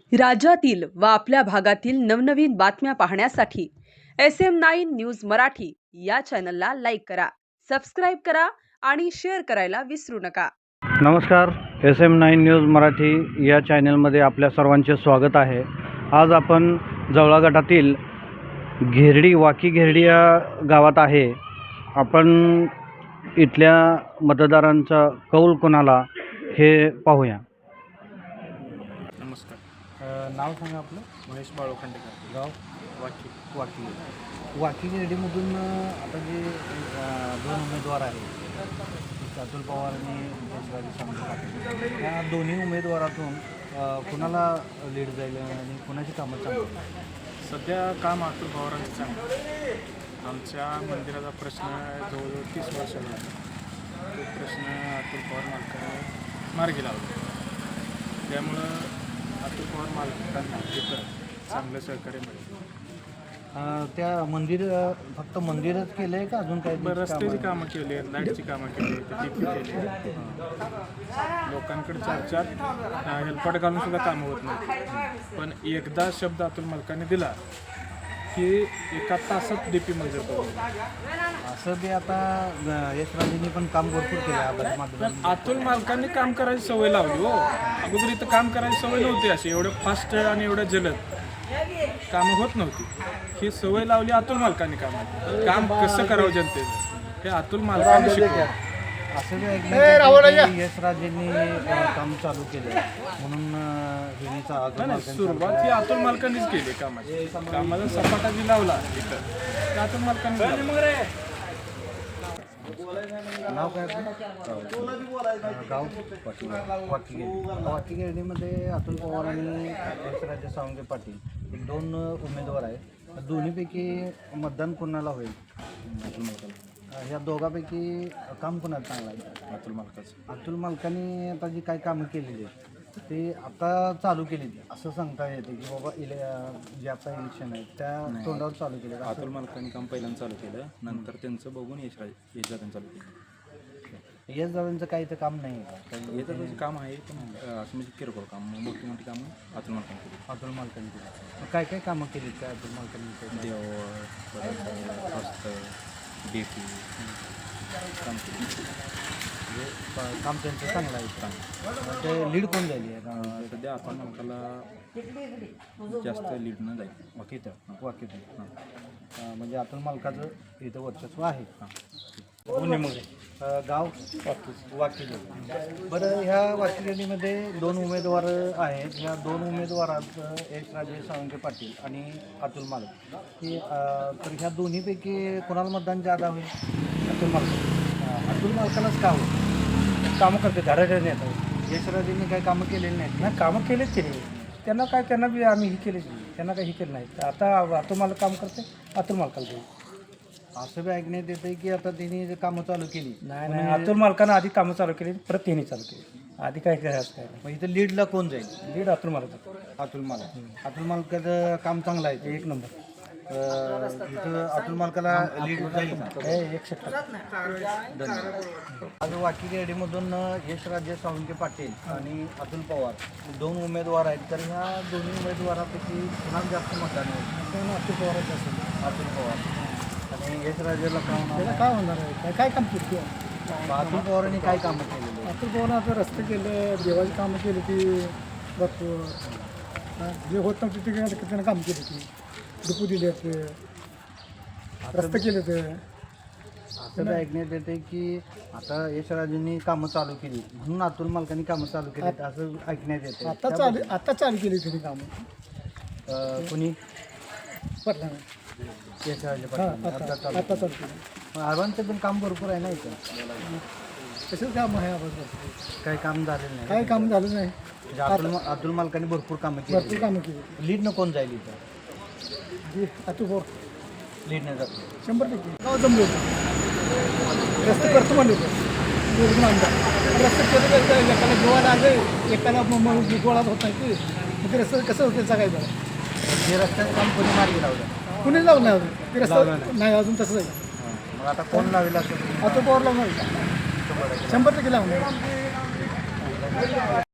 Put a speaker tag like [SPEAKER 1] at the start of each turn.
[SPEAKER 1] राज्यातील व आपल्या भागातील नवनवीन बातम्या पाहण्यासाठी SM9 न्यूज मराठी या चॅनलला लाईक करा, सबस्क्राईब करा आणि शेअर करायला विसरू नका.
[SPEAKER 2] नमस्कार, SM9 न्यूज मराठी या चॅनलमध्ये आपल्या सर्वांचे स्वागत आहे. आज आपण जवळा गटातील वाकी घेरडी या गावात आहे. आपण इथल्या मतदारांचा कौल कोणाला हे पाहूया.
[SPEAKER 3] नमस्कार.
[SPEAKER 2] नाव सांगा आपलं.
[SPEAKER 3] महेश बाळू खांडेकर,
[SPEAKER 2] गाव वाकी घेरडीमधून आता जे दोन उमेदवार आहेत, अतुल पवार आणि यशराज सांगली, या दोन्ही उमेदवारातून कुणाला लीड जाईल आणि कुणाची कामं चांगली?
[SPEAKER 3] सध्या काम अतुल पवारांचं चांगलं. आमच्या मंदिराचा प्रश्न जवळजवळ 30 वर्षाला आहे. तो प्रश्न अतुल पवार मालकाने मार्गी लावला. त्यामुळं अतुल पवार मालकांना तिथं चांगलं सहकार्य मिळेल.
[SPEAKER 2] त्या फक्त मंदिरच केलं आहे का अजून काही?
[SPEAKER 3] रस्त्याची कामं केली आहेत, लाईटची कामं केली आहेत, ती केली आहेत. लोकांकडे 4-4 हेल्पट घालून सुद्धा कामं होत नाही. पण एकदा शब्द अतुल मालकाने दिला की 1 तासात DP मंजूर करू.
[SPEAKER 2] असं ते आता यशराजेंनी पण काम भरपूर केलं.
[SPEAKER 3] पण अतुल मालकांनी काम करायची सवय लावली हो. अगोदर इथं काम करायची सवय नव्हती, अशी एवढं फास्ट आणि एवढं जलद कामं होत नव्हती. ही सवय लावली अतुल मालकांनी. काम कसं करावं जनतेचं हे अतुल मालकांनी शिकवलं.
[SPEAKER 2] असं जे यशराजेंनी काम चालू केलं म्हणून
[SPEAKER 3] सुरुवात ही अतुल मालकांनीच केली. कामाचा सपाटा जी लावला इथं ते अतुल मालकांनी.
[SPEAKER 2] नाव काय गाव वाकी घेरडीमध्ये अतुल पवार आणि यशराज सावंगे पाटील हे दोन उमेदवार आहेत. दोन्हीपैकी मतदान कोणाला होईल? अतुल मालकाला. ह्या दोघांपैकी काम कोणाला चांगलं आहे? अतुल मालकाने आता जी काही कामं केलेली आहेत ते आता चालू केली असं सांगता येते की बाबा जे आता इलेक्शन आहे त्या तोंडावर चालू केले.
[SPEAKER 4] अतुल मालकांनी काम पहिल्यांदा चालू केलं, नंतर त्यांचं बघून यशराजांनी चालू केलं.
[SPEAKER 2] यशराजांचं काही तर काम नाही आहे.
[SPEAKER 4] येतं काम आहे पण असं म्हणजे किरकोळ काम, मोठी मोठी कामं अतुल मालकांनी केली.
[SPEAKER 2] अतुल मालकांनी केली. काय काय कामं केली काय अतुल मालकांनी?
[SPEAKER 4] देवळ, परत रस्ते, DP काम केली.
[SPEAKER 2] काम त्यांचं चांगलं आहे. काम ते लीड कोण झाली आहे
[SPEAKER 4] सध्या अतुल मालकाला जास्त लीड न जाईल.
[SPEAKER 2] वाकीत म्हणजे अतुल मालकाचं इथं वर्चस्व आहे. गाव वाकी. बरं, ह्या वाकीगडीमध्ये 2 उमेदवार आहेत. ह्या 2 उमेदवारात यशराजे सावंगे पाटील आणि अतुल मालक हे तर ह्या दोन्हीपैकी कोणाला मतदान जादा होईल? अतुल मालक. अतुल मालकालाच का होईल? कामं करते घराघर नेतात. यशराजेंनी काही कामं केलेली नाहीत ना? कामं केलेच केली त्यांना बी आम्ही ही केली, त्यांना काही केलं नाही. आता अतुल मालक काम करते, अतुल मालकाला देऊ असं बी ऐकण्यात येतं की आता त्यांनी कामं चालू केली. नाही, अतुल मालकानं आधी कामं चालू केली, परत त्यांनी चालू केली. आधी काय करायचं काय? मग इथं लीडला कोण जाईल? लीड अतुल मालक. अतुल मालकाचं काम चांगलं आहे, 1 नंबर. इथं अतुल मालकाला लीड जाईल. 100%. आज वाकी घेरडीमधून यशराज सावंगे पाटील आणि अतुल पवार 2 उमेदवार आहेत. तर ह्या दोन्ही उमेदवारापैकी कुणाला जास्त मतदान होईल? अतुल पवारच असेल. अतुल पवार. आणि यशराजेला काय होणार आहे? काय काम केली? अतुल पवारांनी काय कामं केलेली?
[SPEAKER 5] अतुल पवारांनी आता रस्ते केले, देवाची कामं केली ती भरपूर. जे होत नव्हते ते त्यानं काम केली ती. डिपू दिले ते, रस्ते केले ते.
[SPEAKER 2] असं ऐकण्यात येते की आता यशराजेंनी कामं चालू केली म्हणून अतुल मालकांनी कामं चालू केली असं ऐकण्यात येते.
[SPEAKER 5] आता चालू केली तरी कामं.
[SPEAKER 2] कुणी?
[SPEAKER 5] पटलं
[SPEAKER 2] यशराजे
[SPEAKER 5] आता चालू केली.
[SPEAKER 2] आव्हानचं पण काम भरपूर आहे ना इथं.
[SPEAKER 5] तसंच काम आहे आपण.
[SPEAKER 2] काही काम झालेलं नाही.
[SPEAKER 5] काही काम झालं नाही.
[SPEAKER 2] म्हणजे अतुल मालकांनी भरपूर कामं केली. लीडनं कोण जाईल इथं?
[SPEAKER 5] अतुल पवार
[SPEAKER 2] लीडनं जातो
[SPEAKER 5] 100%. गाव जमले होते, रस्ते करतो म्हणले होते आमदार. रस्ते केले, एकाला गोवाला आले, एकाला गोळा होत नाही की ते रस्ते कसं होते सांगायचं.
[SPEAKER 2] हे रस्त्याचं काम कोणी मार्गी लावलं?
[SPEAKER 5] कुणीच लावलं नाही अजून ते रस्ता नाही अजून तसंच आहे.
[SPEAKER 2] मग आता कोण लावेल असं?
[SPEAKER 5] अतुल पवार लावणार 100% लावणार.